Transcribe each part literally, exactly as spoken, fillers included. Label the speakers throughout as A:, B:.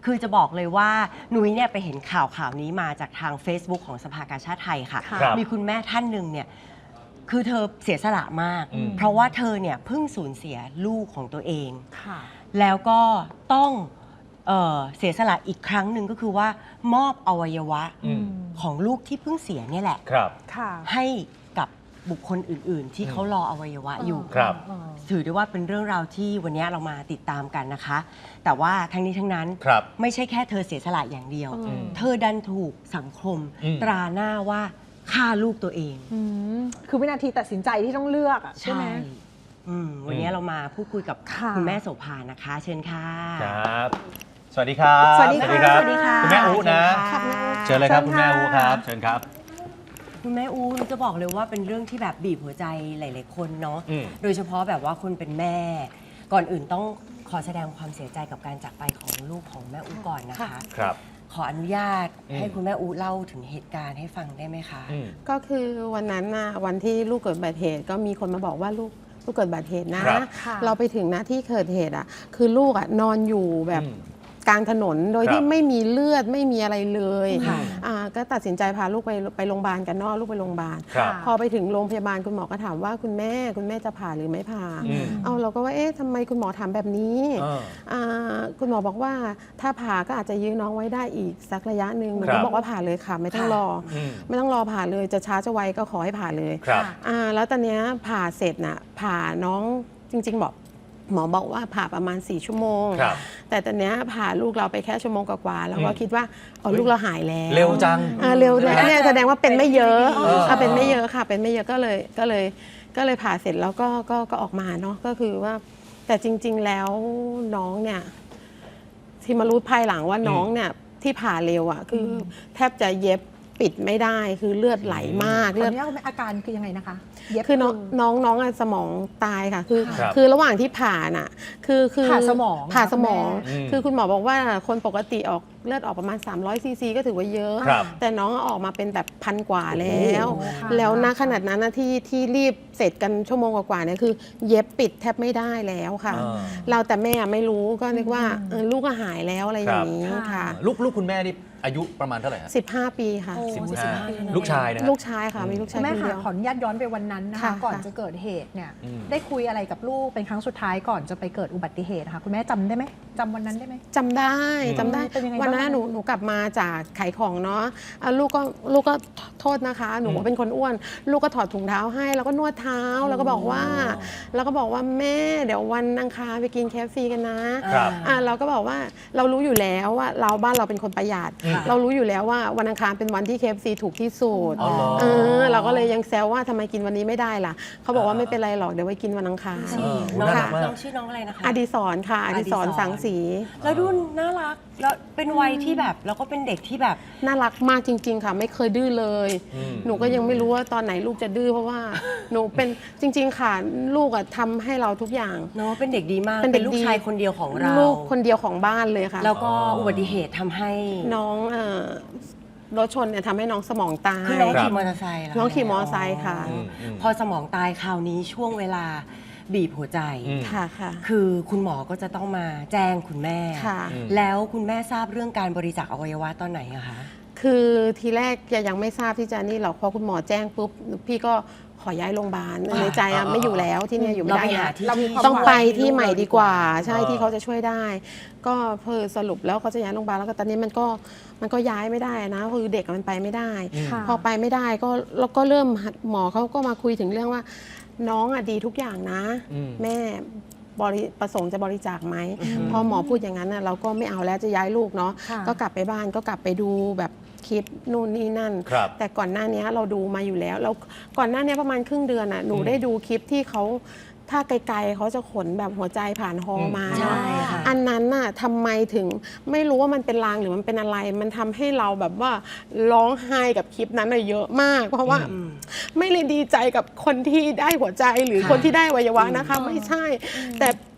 A: คือจะบอกเลยว่านุ้ยเนี่ยไปเห็นข่าวข่าวนี้มาจากทาง Facebook ของสภากาชาดไทยค่ะมีคุณแม่ท่านหนึ่งเนี่ยคือเธอเสียสละมากเพราะว่าเธอเนี่ยเพิ่งสูญเสียลูกของตัวเองแล้วก็ต้องเอ่อเสียสละอีกครั้งหนึ่งก็คือว่ามอบอวัยวะของลูกที่เพิ่งเสียเนี่ยแหละให้กับบุคคลอื่นๆ ที่เขารออวัยวะอยู่ถือได้ว่าเป็นเรื่องราวที่วันนี้เรามาติดตามกันนะคะแต่ว่าทั้งนี้ทั้งนั้นไม่ใช่แค่เธอเสียสละอย่างเดียวเธอดันถูกสังคมตราหน้าว่าฆ่าลูกตัวเอง
B: คือวินาทีตัดสินใจที่ต้องเลือกใช่ไหม
A: วันนี้เรามาพูดคุยกับคุณแม่โสภานะคะเชิญค่ะ
C: ครับสวัสดีครับ
B: สวัสดีครับ
A: สวัสดีค่ะ
C: คุณแม่อูนะเชิญเลยครับคุณแม่อูครับเชิญครับ
A: คุณแม่อูจะบอกเลยว่าเป็นเรื่องที่แบบบีบหัวใจหลายๆคนเนาะโดยเฉพาะแบบว่าคนเป็นแม่ก่อนอื่นต้องขอแสดงความเสียใจกับการจากไปของลูกของแม่อูก่อนนะคะ
C: ครับ
A: ขออนุญาตให้คุณแม่อูเล่าถึงเหตุการณ์ให้ฟังได้ไหมคะ
D: ก็คือวันนั้นนะวันที่ลูกเกิดอุบัติเหตุก็มีคนมาบอกว่าลูกลูกเกิดอุบัติเหตุนะเราไปถึงนะที่เกิดเหตุอ่ะคือลูกอ่ะนอนอยู่แบบกลางถนนโดยที่ไม่มีเลือดไม่มีอะไรเลยก็ตัดสินใจพาลูกไปไปโรงพยาบาลกันนอกลูกไปโรงพยาบาลพอไปถึงโรงพยาบาลคุณหมอก็ถามว่าคุณแม่คุณแม่จะผ่าหรือไม่ผ่าเอาเราก็ว่าเอ๊ะทำไมคุณหมอถามแบบนี้คุณหมอบอกว่าถ้าผ่าก็อาจจะยื้อน้องไว้ได้อีกสักระยะหนึ่งหนูก็บอกว่าผ่าเลยค่ะไม่ต้องรอไม่ต้องรอผ่าเลยจะช้าจะไวก็ขอให้ผ่าเลยแล้วตอนนี้ผ่าเสร็จน่ะผ่าน้องจริงๆบอกหมอบอกว่าผ่าประมาณสี่ชั่วโมงแต่ตอนนี้ผ่าลูกเราไปแค่ชั่วโมงกว่าๆแล้วก็คิดว่าอ๋อลูกเราหายแล้ว
C: เร็วจัง
D: เร็วเนี่ยแสดงว่าเป็นไม่เยอะเป็นไม่เยอะค่ะเป็นไม่เยอะก็เลยก็เลยก็เลยผ่าเสร็จแล้วก็ก็ก็ออกมาเนาะก็คือว่าแต่จริงๆแล้วน้องเนี่ยที่มารู้ภายหลังว่าน้องเนี่ยที่ผ่าเร็วอ่ะคือแทบจะเย็บปิดไม่ได้คือเลือดไหลมาก
B: เลือดอาการคือยังไงนะคะ
D: คือน้องน้องน้องสมองตายค่ะคือคือระหว่างที่ผ่าน่ะคือคือ
B: ผ่าสมอง
D: ผ่าสมองคือคุณหมอบอกว่าคนปกติออกเลือดออกประมาณสามร้อยซีซีก็ถือว่าเยอะแต่น้องออกมาเป็นแบบพันกว่าแล้วแล้วณขนาดนั้นที่ที่รีบเสร็จกันชั่วโมงกว่าเนี่ยคือเย็บปิดแทบไม่ได้แล้วค่ะเราแต่แม่ไม่รู้ก็นึกว่าลูกก็หายแล้วอะไรอย่างนี้ค่ะ
C: ลูกลูกคุณแม่นี่อายุประมาณเท่าไหร่
D: สิบห้าปีค่ะ
C: สิบห้าลูกชายนะ
D: ลูกชายค่ะมีลูกชาย
B: แม่
D: คนเดียว
B: ขออนุญาตย้อนไปวันนั้นนะคะก่อนจะเกิดเหตุเนี่ยได้คุยอะไรกับลูกเป็นครั้งสุดท้ายก่อนจะไปเกิดอุบัติเหตุค่ะคุณแม่จำได้ไหมจำวันนั้นได้ไหม
D: จำได้จำได้วันนั้นหนูหนูกลับมาจากขายของเนาะลูกก็ลูกก็โทษนะคะหนูเป็นคนอ้วนลูกก็ถอดถุงเท้าให้แล้วก็นวดเท้าแล้วก็บอกว่าแล้วก็บอกว่าแม่เดี๋ยววันอังคารไปกินเคฟซีกันนะเราก็บอกว่าเรารู้อยู่แล้วว่าเราบ้านเราเป็นคนประหยัดเรารู้อยู่แล้วว่าวันอังคารเป็นวันที่ เค เอฟ ซี ถูกที่สุดเออเราก็เลยยังแซวว่าทำไมกินวันนี้ไม่ได้ล่ะเขาบอกว่าไม่เป็นไรหรอกเดี๋ยวไว้กินวันอังคาร
A: น้องชื่อน้องอะไรนะคะ
D: อดิศรค่ะอดิศรสังสี
A: แล้วดูน่ารักแล้วเป็นวัยที่แบบแล้วก็เป็นเด็กที่แบบ
D: น่ารักมากจริงๆค่ะไม่เคยดื้อเลยหนูก็ยังไม่รู้ว่าตอนไหนลูกจะดื้อเพราะว่าหนูเป็นจริงๆค่ะลูกอะทำให้เราทุกอย่าง
A: เนาะเป็นเด็กดีมากเป็นลูกชายคนเดียวของเรา
D: ลูกคนเดียวของบ้านเลยค่ะ
A: แล้วก็อุบัติเหตุทำให้
D: น้องรถชนเนี่ยทำให้น้องสมองตาย
A: คือน้องขี่มอเตอร์ไซค์
D: น้องขี่มอเตอร์ไซค์ค่ะ
A: พอสมองตายคราวนี้ช่วงเวลาบีบหัวใจ
D: ค่ะค่ะ
A: คือคุณหมอก็จะต้องมาแจ้งคุณแม่แล้วคุณแม่ทราบเรื่องการบริจาคอวัยวะตอนไหนอะคะ
D: คือทีแรกยังไม่ทราบที่จะนี่หรอกพอคุณหมอแจ้งปุ๊บพี่ก็ขอย้ายโรงพยาบาลในใจอะไม่อยู่แล้วที่นี่อยู่ไม่ได้แล้วต้องไปที่ใหม่ดีกว่าใช่ที่เขาจะช่วยได้ก็เพื่อสรุปแล้วเขาจะย้ายโรงพยาบาลแล้วก็ตอนนี้มันก็มันก็ย้ายไม่ได้นะคือเด็กมันไปไม่ได้พอไปไม่ได้ก็แล้วก็เริ่มหมอเขาก็มาคุยถึงเรื่องว่าน้องอะดีทุกอย่างนะแม่บริประสงค์จะบริจาคไหมพอหมอพูดอย่างนั้นนะเราก็ไม่เอาแล้วจะย้ายลูกเนาะก็กลับไปบ้านก็กลับไปดูแบบคลิปนู่นนี่นั่นแต่ก่อนหน้านี้เราดูมาอยู่แล้วแล้วก่อนหน้านี้ประมาณครึ่งเดือนอ่ะหนูได้ดูคลิปที่เขาถ้าไกลๆเขาจะขนแบบหัวใจผ่านฮอมาอันนั้นน่ะทำไมถึงไม่รู้ว่ามันเป็นลางหรือมันเป็นอะไรมันทำให้เราแบบว่าร้องไห้กับคลิปนั้นเยอะมากเพราะว่าไม่เลยดีใจกับคนที่ได้หัวใจหรือคนที่ได้อวัยวะนะคะไม่ใช่แต่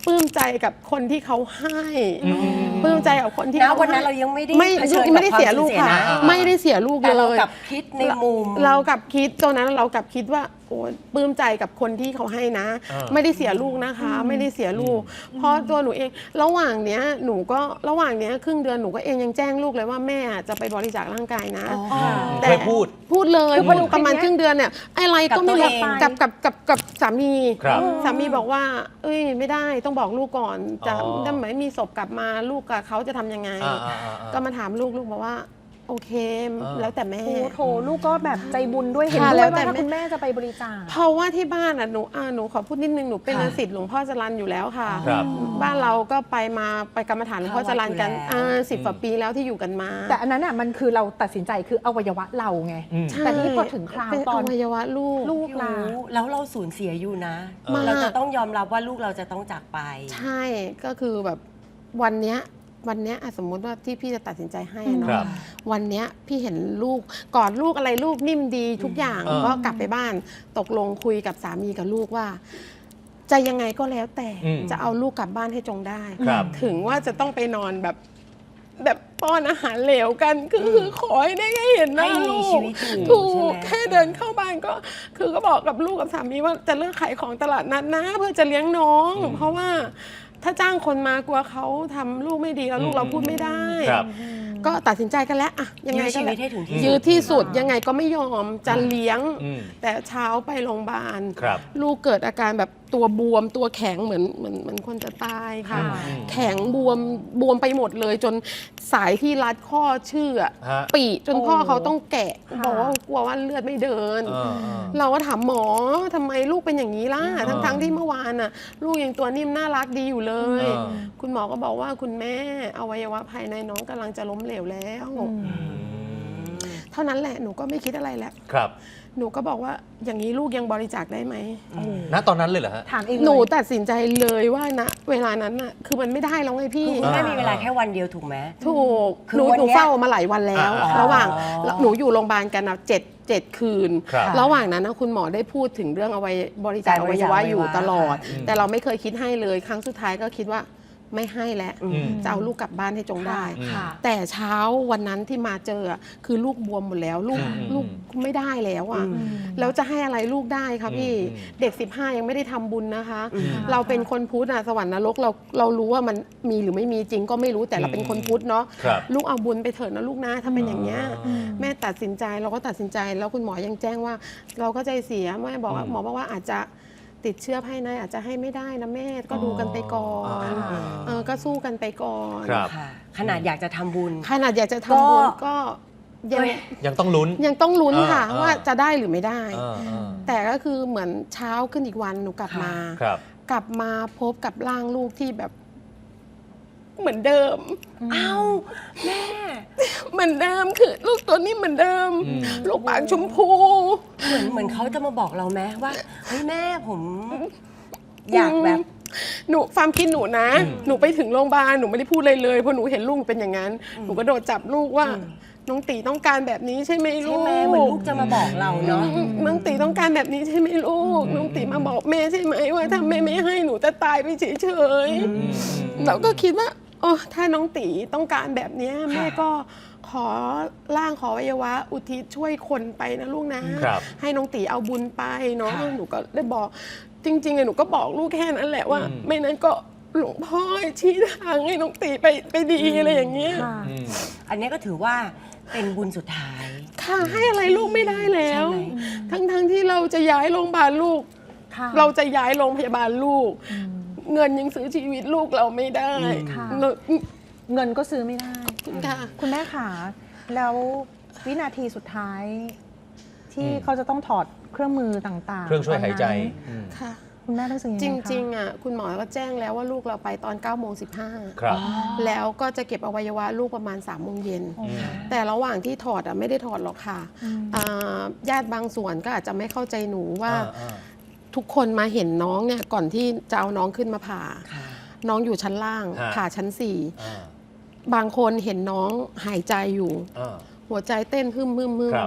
D: ปลื้มใจกับคนที่เขาให้ปลื้มใจกับคนที่
A: นะ
D: เขา
A: วันนั้น
D: ให้
A: เรายังไม่ได้
D: ไม่
A: เผชิญ
D: ไม่ได้
A: กับ
D: เสีย
A: ความ
D: ลูก
A: สูญ
D: ค่ะ
A: เสียนะ
D: ไม่ได้เสียลูก
A: แต่
D: เล
A: เรา
D: ย
A: กลับคิดในมุม
D: เรากลับคิดตอนนั้นเรากลับคิดว่าโอ้ปลื้มใจกับคนที่เขาให้นะ
C: เออ
D: ไม่ได้เสียลูกนะคะ ไม่ได้เสียลูก เพราะตัวหนูเองระหว่างเนี้ยหนูก็ระหว่างเนี้ยครึ่งเดือนหนูก็เองยังแจ้งลูกเลยว่าแม่จะไปบริจาคร่างกายนะ
C: เคยพูด
D: พูดเลย
B: คือพอดู
D: ประมาณ
B: คลิปเนี้ย
D: ครึ่งเดือนเนี่ยอะไรก็ไม่
A: กับ
D: รู้
A: ตัวเอง
D: กับกับกับกับสามี
C: ครับ
D: สามีบอกว่า เอ้ยไม่ได้ต้องบอกลูกก่อนจะ
C: อ๋อ
D: ถ้าไม่มีศพกลับมาลูกกับเขาจะทำยังไง
C: อ่าอ่าอ่าอ่า
D: ก็มาถามลูกลูกบอกว่า โอเค
C: อ่า
D: แล้วแต่แม่
B: โอ้โถลูกก็แบบใจบุญด้วยเห็น
D: ค่ะ
B: ด้
D: แล้ว วย แต่
B: ว่าถ้า
D: แม่
B: คุณแม่จะไปบริจาค
D: เพราะว่าที่บ้านอ่ะหนูอ่าหนูขอพูดนิดนึงหนูเป็น
A: ค่ะ
D: ศิษย์หลวงพ่อจรัญอยู่แล้วค่ะ
C: ครับ
D: บ้านเราก็ไปมาไปกรรมฐานหลวงพ่อจรัญกัน
A: เข้าวัดอยู่แล้ว
D: อ่าสิบกว่าปีแล้วที่อยู่กันมา
B: แต่อันนั้นอ่ะมันคือเราตัดสินใจคืออวัยวะเราไง
C: อืม
D: ใช่
B: แต่นี่พอถึงคราว
D: เป็น
B: ตอน
D: อวัยวะลูก
B: ลูก
A: พี่
B: ลา
A: อู๋แล้วเราสูญเสียอยู่นะ
D: มาก
A: เราจะต้องยอมรับว่าลูกเราจะต้องจากไป
D: ใช่ก็คือแบบวันเนี้ยวันเนี้ยอ่ะสมมุติว่าที่พี่จะตัดสินใจให้อะ
C: ค
D: เนาะ
C: รับ
D: วันเนี้ยพี่เห็นลูกกอดลูกอะไรลูกนิ่มดีทุกอย่าง
C: เออ
D: ก็กลับไปบ้านตกลงคุยกับสามีกับลูกว่า จะยังไงก็แล้วแต่
C: อืม
D: จะเอาลูกกลับบ้านให้จงได้
C: ครับ
D: ถึงว่าจะต้องไปนอนแบบแบบป้อนอาหารเหลวกันคือคือขอให้ได้แค่เห็นหน้า
A: ให้มี
D: ลู
A: ชี
D: ก
A: วิตอยู่
D: ถู
A: ใช่
D: ก
A: ไหม
D: แค่เดินเข้าบ้านก็ คือก็บอกกับลูกกับสามีว่าจะเลิกขายของตลาดนัดนะ เพื่อจะเลี้ยงน้อง
C: อืม
D: เพราะว่าถ้าจ้างคนมากลัวเขาทำลูกไม่ดีแล้วลูกเราพูดไม่ได้
C: ครับ
D: ก็ตัดสินใจกันแล้วอะยังไง
A: ยื้อ
D: ก็
A: ชีวิ
D: แล้
A: ต
D: ว
A: ให้ถึงที่สุด
D: ยื้อที่สุดยังไงก็ไม่ยอมจะเลี้ยง
C: อืม
D: แต่เช้าไปโรงพยาบาล
C: ครับ
D: ลูกเกิดอาการแบบตัวบวมตัวแข็งเหมือนเหมือนเหมือนคนจะตายค่ะ
B: ค่ะ
D: แข็งบวมบวมไปหมดเลย จนสายที่รัดข้อเชื่อก
C: ฮะ
D: ปีจนพ่อ
B: โอ้
D: เขาต้องแกะ
B: ค่ะ
D: บอกว่ากลัวว่าเลือดไม่เดิน
C: เออเออ
D: เราก็ถามหมอทำไมลูกเป็นอย่างนี้ล่ะ
C: เออ
D: ทั้งทั้งๆที่เมื่อวานน่ะ ลูกยังตัวนิ่มน่ารักดีอยู่เลย
C: เออ
D: คุณหมอก็บอกว่าคุณแม่อวัยวะภายในน้องกำลังจะล้มเหลวแล้ว เท่านั้นแหละหนูก็ไม่คิดอะไรแล้ว
C: ครับ
D: หนูก็บอกว่าอย่างนี้ลูกยังบริจาคได้ไหม
C: ณตอนนั้นเลยเหรอฮะ
B: ถามเอง
D: หนู
B: เลย
D: ตัดสินใจเลยว่าณเวลานั้นน่ะคือมันไม่ได้แล้วไงพี่
A: คือคุณแม่มีเวลาแค่วันเดียวถูกไหม
D: ถูก
A: คือ
D: หนู
A: วัน
D: หนู
A: เนี้ย
D: เฝ้ามาหลายวันแล้ว
C: อ่า
D: ระหว่าง
A: อ๋อ
D: หนูอยู่โรงพยาบาลกันนะเจ็ดเจ็ดคืน
C: ครับ
D: ระหว่างนั้นนะคุณหมอได้พูดถึงเรื่องอวัยบริจาค
A: การ
D: อบ
A: ริ
D: วั
A: จาค
D: ยวะอยู่
A: อวัยวะ
D: ตลอด
C: อืม
D: แต่เราไม่เคยคิดให้เลยครั้งสุดท้ายก็คิดว่าไม่ให้แล้ว
A: อืม
D: จะเอาลูกกลับบ้านให้จงได้
B: ค่ะ
D: แต่เช้าวันนั้นที่มาเจออะคือลูกบวมหมดแล้ว ลูก
C: อืม
D: ลูกไม่ได้แล้วอ่ะ
A: อืม
D: แล้วจะให้อะไรลูกได้คะพี่
C: อืม
D: เด็กสิบห้ายังไม่ได้ทำบุญนะคะ
A: อืม
D: เราเป็นคนพุทธอะสวรรค์นรกเราเรารู้ว่ามันมีหรือไม่มีจริงก็ไม่รู้แต่เราเป็นคนพุทธเนาะ
C: ครับ
D: ลูกเอาบุญไปเถิดนะลูกนะถ้าเป็นอย่างเงี้ย
C: อืม
D: แม่ตัดสินใจเราก็ตัดสินใจแล้วคุณหมอยังแจ้งว่า เราก็ใจเสียแม่บอกว่า
C: อืม
D: หมอบอกว่าอาจจะติดเชื้อภายในอาจจะให้ไม่ได้นะแม่ก็ดูกันไปก่อน
C: อ่า
D: เออก็สู้กันไปก่อน
C: ครับ
A: ค่ะขนาดอยากจะทำบุญ
D: ขนาดอยากจะทำบุญ
A: ก็
D: ก็ยัง
A: เอ้ย
C: ยังต้องลุ้น
D: ยังต้องลุ้นค่ะ
C: อ่า
D: ว่าจะได้หรือไม่ได้
C: เออเออ
D: แต่ก็คือเหมือนเช้าขึ้นอีกวันหนูกลับมา
C: ครับ
D: กลับมาพบกับร่างลูกที่แบบเหมือนเดิม
A: เอ้าแม่
D: เหมือนเดิมคือลูกตัวนี้เหมือนเดิม
C: อืม
D: ลูกปากชมพู
A: เหมือนเหมือนเขาจะมาบอกเราไหมว่าเฮ้ยแม่ผม อยากแบบ
D: หนูความคิดหนูนะ
C: อืม
D: หนูไปถึงโรงพยาบาลหนูไม่ได้พูดอะไรเลยเพราะหนูเห็นลูกเป็นอย่างนั้น หนูก็โดดจับลูกว่า
A: อืม
D: น้องตีต้องการแบบนี้ใช่ไหมลู
A: ใช่
D: ก
A: ไหมเหมือนลูกจะมาบอกเราเนาะ
D: อืมน้องตีต้องการแบบนี้ใช่ไหมลูกน้องตีมาบอกแม่ใช่ไหมว่าถ้าแม่ไม่ให้หนูจะตายไปเฉยๆเราก็คิดว่าโอ้ถ้าน้องตีต้องการแบบเนี้ยแม่ก็ขอร่างขออวัยวะอุทิศช่วยคนไปนะลูกนะ
C: ครับ
D: ให้น้องตีเอาบุญไปเนาะ
A: ค่ะ
D: หนูก็ได้บอกจริงๆอะหนูก็บอกลูกแค่นั้นแหละว่า
C: อืม
D: ไม่นั้นก็หลวงพ่อชี้ทางให้น้องตีไปไปดีอะไรอย่างเงี้ย
B: ค่ะ
C: อืม
A: อันนี้ก็ถือว่าเป็นบุญสุดท้าย
D: ค่ะให้อะไรลูกไม่ได้แล้ว
A: ใช่ไหม
D: ทั้งๆที่เราจะย้ายโรงพยาบาลลูก
B: ค่ะ
D: เราจะย้ายโรงพยาบาลลูก
B: อืม
D: เงินยังซื้อชีวิตลูกเราไม่ได้
B: ค่ะ
D: เนอะ
B: เงินก็ซื้อไม่ได้
D: ค่ะ
B: คุณแม่ขาแล้ววินาทีสุดท้าย ที่
C: อืม
B: เขาจะต้องถอดเครื่องมือต่างๆ
C: เครื่องช่วยหายใจ
B: ตนนั้น
C: อืม
D: ค่ะ
B: คุณแม่รู้สึกยัง
D: จ
B: ไงคะ
D: ริงๆอ่ะคุณหมอก็แจ้งแล้วว่าลูกเราไปตอน9ก้าโมงสิบห้า
C: ครับ
D: แล้วก็จะเก็บอวัยวะลูกประมาณ3ามโมงเย็น
B: โอ้
C: อืม
D: แต่ระหว่างที่ถอดอ่ะไม่ได้ถอดหรอกค่ะ
B: อืม
D: อ่าญาติบางส่วนก็อาจจะไม่เข้าใจหนูว่า
C: อ่าอ่า
D: ทุกคนมาเห็นน้องเนี่ยก่อนที่จะเอาน้องขึ้นมาผ่า
A: ค่ะ
D: น้องอยู่ชั้นล่าง
C: ฮะ
D: ผ่าชั้นสี่
C: อ่า
D: บางคนเห็นน้องหายใจอยู่
C: อ่า
D: หัวใจเต้นฮึมฮึมฮึม
C: ครับ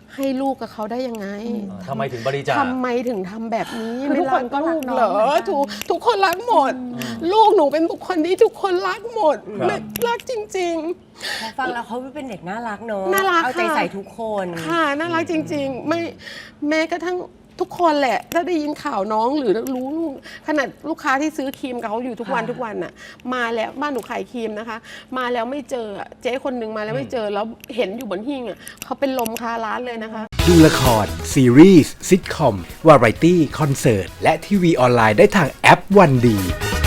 D: ให้ลูกกับเขาได้ยังไง
C: ทำไมถึงบริจาค
D: ทำไมถึงทำแบบนี้
B: คือทุกคนก็รักน้อง
D: เหรอ
B: เหมือนกัน
D: ทุกทุกคนรักหมด ลูกหนูเป็นบุคคลที่ทุกคนรักหมด
C: ครับ
D: ไม่รักจริง
A: พอฟังแล้วเขาเป็นเด็กน่ารักเนอะ
D: น่ารัก
A: เอาใจ
D: ค่ะ
A: ใส่ทุกคน
D: ๆ ค่ะน่ารักจริง ๆ ไม่แม้กระทั่งทุกคนแหละ ถ้าได้ยินข่าวน้องหรือรู้ลูกขนาดลูกค้าที่ซื้อครีมกับเขาอยู่ทุกวัน
A: ค่ะ
D: ทุกวันน่ะมาแล้วบ้านหนูขายครีมนะคะ มาแล้วไม่เจอเจ๊คนหนึ่งมาแล้วไม่เจอแล้วเห็นอยู่บนหิ้งอ่ะเขาเป็นลมคาร้านเลยนะคะ
E: ดูละคร ซีรีส์ซิทคอม วาไรตี้ คอนเสิร์ต และทีวีออนไลน์ได้ทางแอปวันดี